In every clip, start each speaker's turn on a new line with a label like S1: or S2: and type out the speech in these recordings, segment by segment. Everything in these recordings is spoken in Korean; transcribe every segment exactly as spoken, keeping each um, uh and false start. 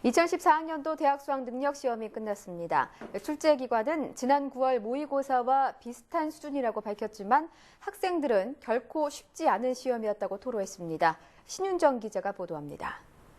S1: 이천십사 학년도 대학 수학 능력 시험이 끝났습니다. 출제 기관은 지난 구월 모의고사와 비슷한 수준이라고 밝혔지만 학생들은 결코 쉽지 않은 시험이었다고 토로했습니다. 신윤정 기자가 보도합니다.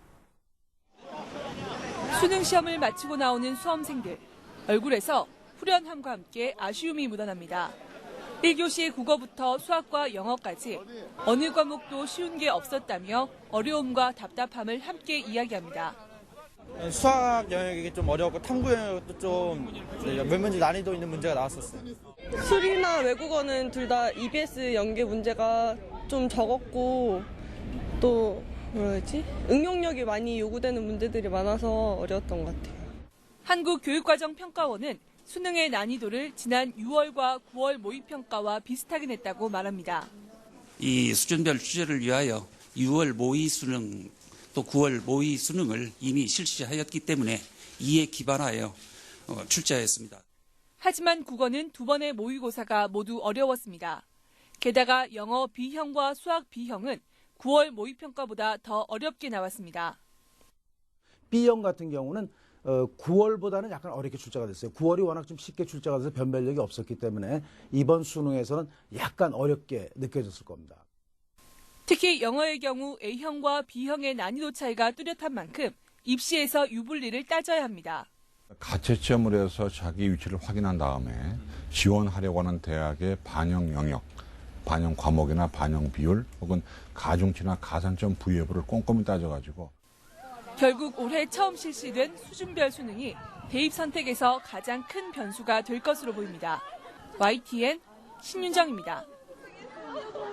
S2: 수능 시험을 마치고 나오는 수험생들. 얼굴에서 후련함과 함께 아쉬움이 묻어납니다. 일 교시 국어부터 수학과 영어까지 어느 과목도 쉬운 게 없었다며 어려움과 답답함을 함께 이야기합니다.
S3: 수학 영역이 좀 어려웠고 탐구 영역도 좀 몇 문제 난이도 있는 문제가 나왔었어요.
S4: 수리나 외국어는 둘 다 이비에스 연계 문제가 좀 적었고 또 뭐라 해야지? 응용력이 많이 요구되는 문제들이 많아서 어려웠던 것 같아요.
S2: 한국교육과정평가원은 수능의 난이도를 지난 유월과 구월 모의평가와 비슷하게 냈다고 말합니다.
S5: 이 수준별 취재를 위하여 유월 모의 수능 또 구월 모의 수능을 이미 실시하였기 때문에 이에 기반하여 출제하였습니다.
S2: 하지만 국어는 두 번의 모의고사가 모두 어려웠습니다. 게다가 영어 B형과 수학 B형은 구월 모의평가보다 더 어렵게 나왔습니다.
S6: B형 같은 경우는 구월보다는 약간 어렵게 출제가 됐어요. 구월이 워낙 좀 쉽게 출제가 돼서 변별력이 없었기 때문에 이번 수능에서는 약간 어렵게 느껴졌을 겁니다.
S2: 특히 영어의 경우 A형과 B형의 난이도 차이가 뚜렷한 만큼 입시에서 유불리를 따져야 합니다.
S7: 가채점을 해서 자기 위치를 확인한 다음에 지원하려고 하는 대학의 반영 영역, 반영 과목이나 반영 비율 혹은 가중치나 가산점 부여 여부를 꼼꼼히 따져가지고
S2: 결국 올해 처음 실시된 수준별 수능이 대입 선택에서 가장 큰 변수가 될 것으로 보입니다. 와이티엔 신윤정입니다.